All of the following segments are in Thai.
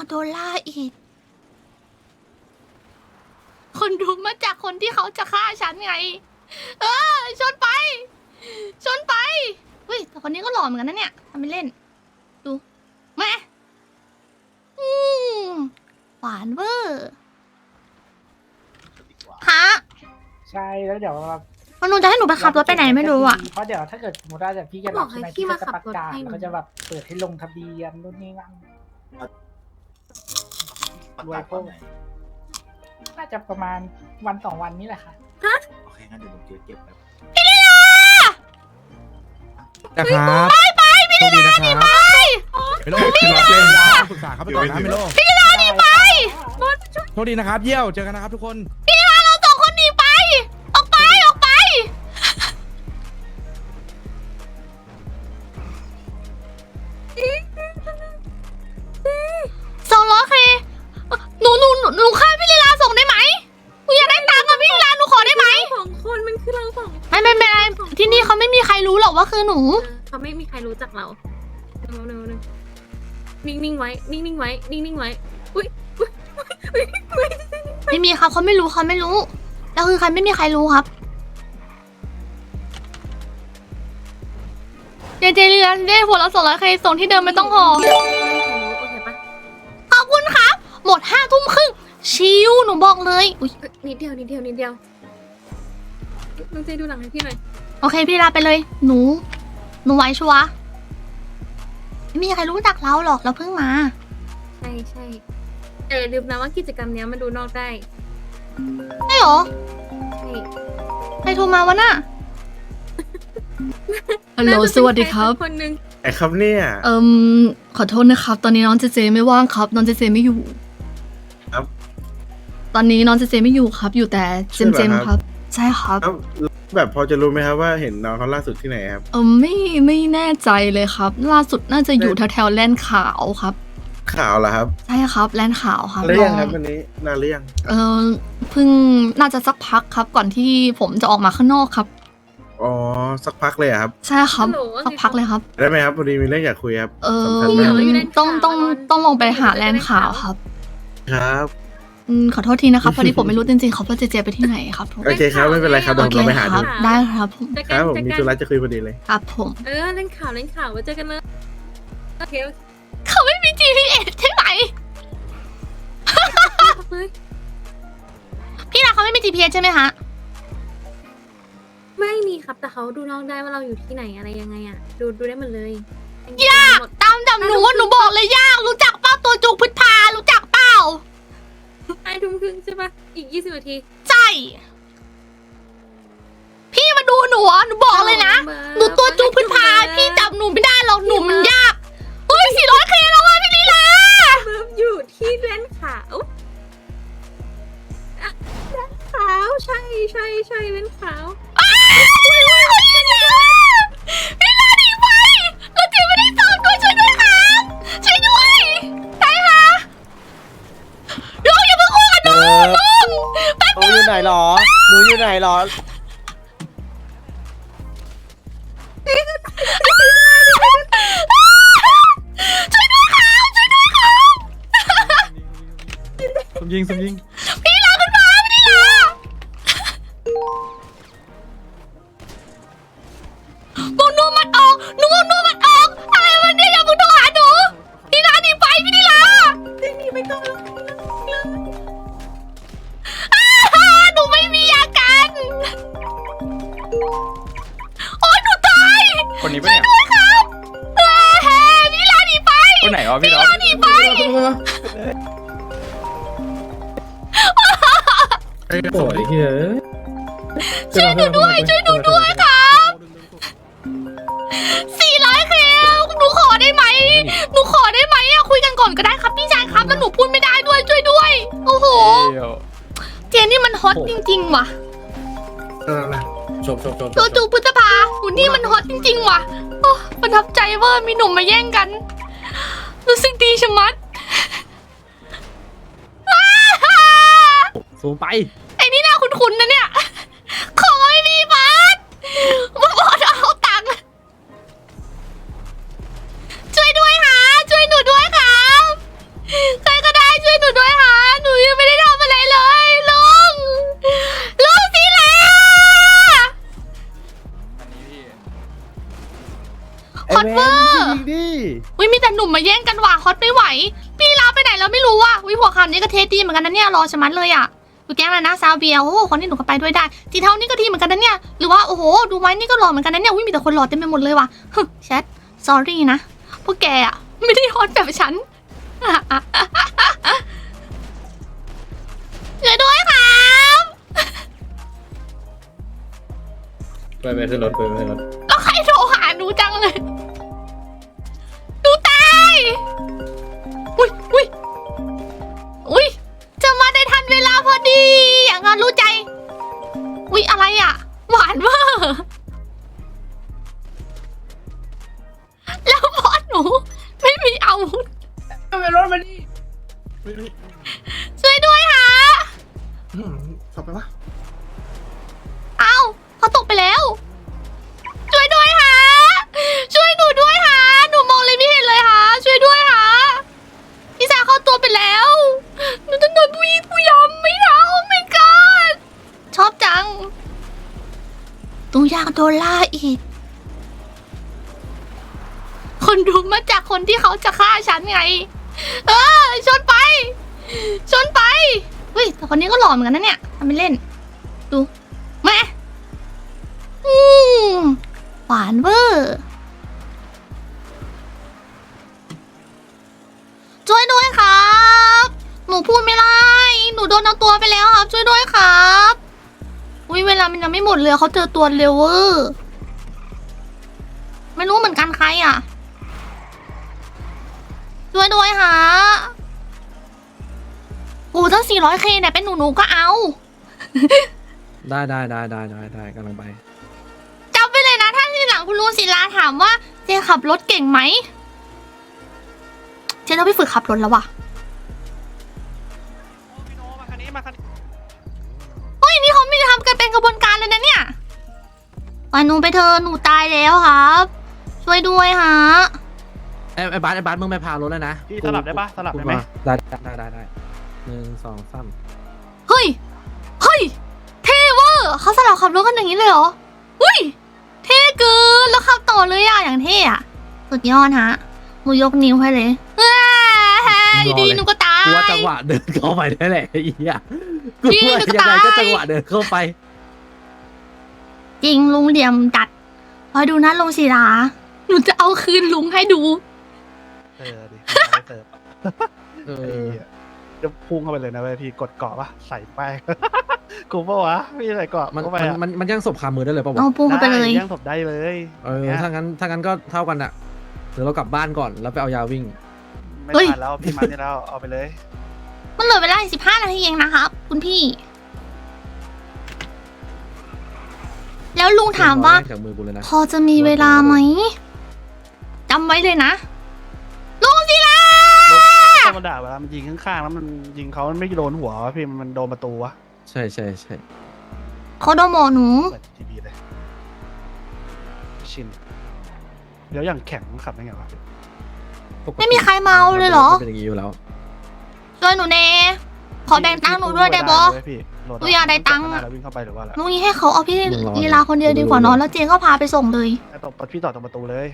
โดนล่าอีกคนดูมาจากคนที่เขาจะฆ่าฉันไงชนไปชนไปเฮ้ยแต่คนนี้ก็หล่อเหมือนกันนะเนี่ยทำไม่เล่นดูแม่หวานเวอร์ฮะใช่แล้วเดี๋ยวเรามันนูจะให้หนูไปขับรถไปไหนไม่รู้อ่ะเพราะเดี๋ยวถ้าเกิดสมมติว่าแบบพี่จะรับใช่ไหมพี่ก็จะประกาศเขาจะแบบเปิดให้ลงทะเบียนนู่นนี่นั่นรวยโป้น่าจะประมาณวัน2 วันนี้แหละค่ะโอเคงั้นเดี๋ยวผมเก็บแบบนะครับไปพี่ลีลานี่ไปไม่โลพี่ลีลาปรึกษาเขาไปก่อนนะไม่โลพี่ลีลานี่ไปโชคดีนะครับเยี่ยวเจอกันนะครับทุกคนพี่ลีลาเรา2 คนหนีไปออกไป200 เคหนูฆ่าพี่ลีลาส่งได้ไหมหนูอยากได้ตังค์กับพี่ลีลาหนูขอได้ไหม 2 คนมันคือเรา2 คนไม่เป็นไรที่นี่เขาไม่มีใครรู้หรอกว่าคือหนูเขาไม่มีใครรู้จักเรานิ่งๆไว้นิ่งๆไว้นิ่งๆไว้อุ้ยไม่มีครับเขาไม่รู้แล้วคือใครไม่มีใครรู้ครับเจเรียนได้หัวละ200 เคส่งที่เดิมไม่ต้องห่อโอเคปะขอบคุณครับหมด5 ทุ่มครึ่งชิวหนูบอกเลยอุ๊ยนิดเดียวน้องเจดูหลังให้พี่หน่อยโอเคพี่ลาไปเลยหนูไว้ชัวร์ไม่มีใครรู้จักเราหรอกเราเพิ่งมาใช่แต่อย่าลืมนะว่ากิจกรรมนี้มันดูนอกได้ใช่หรอใช่ใครโทรมาวะน่ะฮัลโหลสวัสดีครับคนนึงไอ้ครับเนี่ยขอโทษนะครับตอนนี้น้องเจไม่ว่างครับน้องเจไม่อยู่ครับตอนนี้น้องเจไม่อยู่ครับอยู่แต่เจมครับใช่ครับแล้วแบบพอจะรู้ไหมครับว่าเห็นน้องเขาล่าสุดที่ไหนครับไม่แน่ใจเลยครับ ล่าสุดน่าจะอยู่แถวแลนด์ขาวครับข่าวเหรอครับใช่ครับแลนด์ขาวครับแล้วยังครับวันนี้นานหรือยังเพิ่งน่าจะสักพักครับก่อนที่ผมจะออกมาข้างนอกครับอ๋อสักพักเลยอะครับใช่ครับสักพักเลยครับได้ไหมครับพอดีมีเรื่องอยากคุยครับอสำคัญมากต้องลงไปหาแลนด์ขาวครับครับขอโทษทีนะครับพอดีผมไม่รู้จริงๆเขาว่าเจไปที่ไหนครับผมโอเคครับไม่เป็นไรครับเดี๋ยวผมลองไปหาคดูรับได้ครับผมครับผมมีธุระจะคุยพอดีเลยครับผมเล่นข่าวไว้เจอกันเลยโอเคเขาไม่มี GPS ใช่ไหมเลยพี่นะเขาไม่มี GPS ใช่ไหมฮะไม่มีครับแต่เขาดูนอกได้ว่าเราอยู่ที่ไหนอะไรยังไงอ่ะดูได้หมดเลยยากตามจับหนูว่าหนูบอกเลยยากรู้จักเป้าตัวจุกพุทธารู้จักเป้า 5 ทุ่มครึ่งใช่ปะอีก20 นาทีใช่พี่มาดูหนูอ่ะหนูบอกเลยนะหนูตัวจุกพุทธาพี่จับหนูไม่ได้หรอกหนูมันยากเฮ้ย400 เคแล้วว่ะพี่ลีลาเบิร์บอยู่ที่เลนขาวเลนขาวใช่เลนขาวพี่ลาหนีไปเราจีไม่ได้สอบด้วยช่วยด้วยครับช่วยด้วยใช่ค่ะลุงอย่าเพิ่งคุยกับหนูลุงแป๊บหนูอยู่ไหนหรอ หนูอยู่ไหนหรอช่วยด้วยครับช่วยด้วยครับสมยิงพี่ลาขึ้นมาพี่ลานูมันออกอะไรวันนี้อย่าเพิ่งโทรหาหนูพี่ลาหนีไปพี่ลาหนีไปก่อนหนูไม่มียากันโอ๊ยหนูตายคนนี้ปะเนี่ยด้วยครับพี่ลาหนีไปคนไหนวะพี่ล็อกหนีไปโอ้ยเฮ้ยช่วยหนูด้วยครับ400 เคหนูขอได้ไหมอะคุยกันก่อนก็ได้ครับพี่ชายครับแล้วหนูพูดไม่ได้ด้วยช่วยด้วยโอ้โหเจนนี่มันฮอตจริงๆว่ะจบตัวจูพุทธภาหุ่นนี่มันฮอตจริงๆว่ะโอ้ประทับใจเวอร์มีหนุ่มมาแย่งกัน รู้สึกดีชะมัดสูงไปไอ้นี่น่าคุ้นๆนะเนี่ย ขอไม่มีบัตรมาบอกเอาตังค์ช่วยด้วยค่ะช่วยหนูด้วยครับใครตเวอร์ยิงดิอุ้ยมีแต่หนุ่มมาแย่งกันว่ะฮอตไม่ไหวพี่ลาไปไหนแล้วไม่รู้ว่ะอุ้ยหัวขาวนี้ก็เทดีเหมือนกันนะเนี่ยรอชะมัดเลยอ่ะดูแก๊งอะไรนะซาวเบียโอ้โหคนนี้หนูก็ไปด้วยได้สีเทานี่ก็ทีเหมือนกันนะเนี่ยหรือว่าโอ้โหดูไว้นี่ก็หล่อเหมือนกันนะเนี่ยอุ้ยมีแต่คนหล่อเต็มไปหมดเลยว่ะแชท sorry นะพวกแกอ่ะไม่ได้ฮอตแบบฉัน ช่วยด้วยครับไปขึ้นรถไปขึ้นรถแล้วใครโทรหาหนูจังเลยหนูตายอุ้ยอุ้ยอุ้ยจะมาได้ทันเวลาพอดีอย่างนั้นรู้ใจอุ้ยอะไรอ่ะหวานเวอร์แล้วพอหนูไม่มีอาวุธไปรถมาดิช่วยด้วยค่ะขับไปวะเอ้าเขาตกไปแล้ว ช่วยด้วยค่ะ ช่วยหนูด้วยค่ะ หนูมองเลยไม่เห็นเลยค่ะ ช่วยด้วยค่ะ พี่สาวเข้าตัวไปแล้ว หนูจะโดนผู้ยำไม่ได้โอ้ my god ชอบจังตูอยากโดนล่าอีก คนดูมาจากคนที่เขาจะฆ่าฉันไง ชนไป ชนไปเฮ้ยแต่คนนี้ก็หล่อเหมือนกันนะเนี่ยทำเป็นเล่น ดูแม่หวานเวอร์ช่วยด้วยครับ หนูพูดไม่ได้ หนูโดนเอาตัวไปแล้วครับ ช่วยด้วยครับอุ้ยเวลามันยังไม่หมดเลยเขาเจอตัวเร็วเวอร์ไม่รู้เหมือนกันใครอ่ะช่วยด้วยฮะโอ้ตั้ง 400K เนี่ยเป็นหนูก็เอาได้กำลังไปจำไปเลยนะถ้าทีหลังคุณลุงศิลาถามว่าเจขับรถเก่งไหมเจต้องไปฝึกขับรถแล้วว่ะเฮ้ยนี่เขาไม่ได้ทำกันเป็นกระบวนการเลยนะเนี่ยปล่อยหนูไปเธอะหนูตายแล้วครับ ช่วยด้วยฮะไอ้บาสมึงไปพารถแล้วนะพี่สลับได้ปะสลับได้ไหมได้1 2 3 เฮ้ยเท่เวอร์เขาสลับขับรถกันอย่างนี้เลยเหรออุ้ยเท่เกินแล้วขับต่อเลยอะอย่างเท่อะสุดยอดฮะหนูยกนิ้วให้เลยอยู่ดีหนูก็ตายกูว่าจังหวะเดินเข้าไปได้แหละไอ้เหี้ยกูพี่ว่าหนูก็ยังไงตายก็จังหวะเดินเข้าไปจริงลุงเหลี่ยมจัดคอยดูนะลุงศิลาหนูจะเอาคืนลุงให้ดูดิไม่เสิร์ฟเอไอ้อเหี้ยจะพุ่งเข้าไปเลยนะเว้ยพี่กดเกาะปะใส่แป้ง กูปะวะพี่ใส่เกาะมันเข้าไปอะมันย่างศพคามือได้เลยป่าวะเอาปูเข้าไปเลยยังศพได้เลยเออถ้างั้นก็เท่ากันอะเดี๋ยวเรากลับบ้านก่อนแล้วไปเอายาวิ่งไม่เฮ้ยทันแล้วพี่มานี่แล้วเอาไปเลยมันเหลือเวลาอีก15 นาทีเองนะครับ คุณพี่ แล้วลุงถามว่าจากมือกูเลยนะพอจะมีเวลาไหมจำไว้เลยนะลุงศิลาธรรมดาเวลามันยิงข้างๆแล้วมันยิงเขามันไม่โดนหัววะพี่มันโดนประตูวะใช่เขาโดนหมอหนูเปิดทีวีเลยชินเดี๋ยวอย่างแข็งขับได้ไงวะไม่มีใครเมาเลยเหรอเป็นอย่างนี้อยู่แล้วช่วยหนูเนขอแบ่งตังค์หนูด้วยได้บอพี่โหลหนูอยากได้ตังค์แล้ววิ่งเข้าไปหรือว่าอะไรลุงนี้ให้เขาเอาพี่ลุงรอลีลาคนเดียวดีกว่าเนอะแล้วเจก็พาไปส่งเลยตบพี่ต่อตรงประตูเลย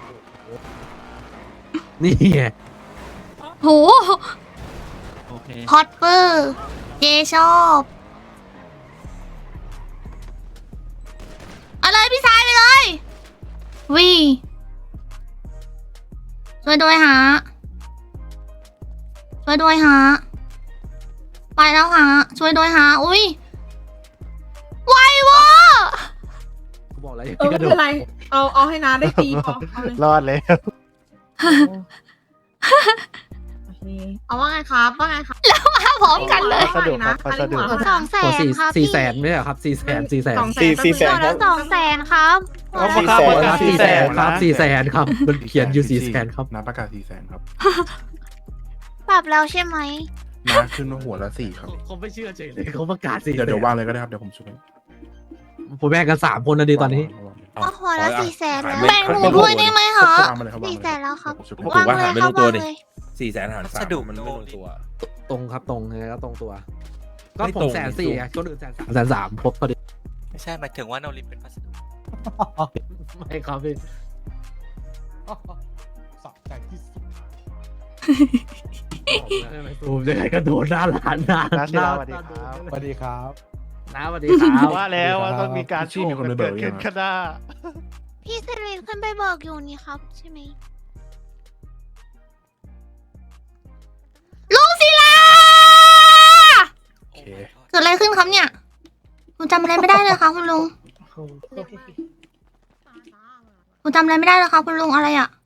นี่ไงโหโอเคฮอตเปอร์เจชอบเอาเลยพี่ชายไปเลยวีช่วยด้วยฮะช่วยด้วยฮะไปแล้วฮะช่วยด้วยฮะอุ้ยไวเวอร์กูบอกแล้วอย่าไม่กระโดเป็ดนไร เอาให้น้าได้ตีพอเอาเลยรอดเลยโอเคเอาว่าไงครับว่าไงครับมาพร้อมกันเลยสะดวกครับสะดวก 200,000 ขอครับ 4 แสนไม่ใช่เหรอครับ4 แสนตัวละ200,000ครับเอา 4 ครับแสนครับ4 แสนครับมันเขียนอยู่4 แสนครับน้ำประกาศ400,000 ครับปรับแล้วใช่ไหมน้ำขึ้นมาหัวละ4 ครับเขาไม่เชื่อเฉยเลยเขาประกาศ4 เดี๋ยววางเลยก็ได้ครับ เดี๋ยวผมช่วยผมแบ่งกัน3 คนนะดีตอนนี้ก็หัวละ400,000แล้วแบ่งหนูด้วยได้ไหมคะวางมาเลยครับวางมาเลย 400,000แล้วครับผมวางเลยครับวางเลย 400,000 หาร 3มันไม่ลงตัวตรงครับตรงยังไงก็ตรงตัว ก็ไม่ผตรมง 140,000ไงคนอื่น130,000ครบพอดีไม่ใช่หมายถึงว่าโนรินเป็นพัสดุไม่ครับพี่สะใจที่สุดผมจะให้กระโดดหน้าร้านหน้าน้าศิลาสวัสดีครับสวัสดีครับน้าสวัสดีครับว่าแล้วว่าต้องมีการที่มีคนไปเบิเกิกดยัขึ้งนอะข้างหน้าพี่เซรีนขึ้นไปเบิกอยู่นี่ครับ ใช่ไหมลุงศิลาโอเคเกิดอะไรขึ้นครับเนี่ยผมจำอะไรไม่ได้เลยค่ะคุณลุงโอ้โหผมจำอะไรไม่ได้เลยค่ะคุณลุงอะไรอ่ะ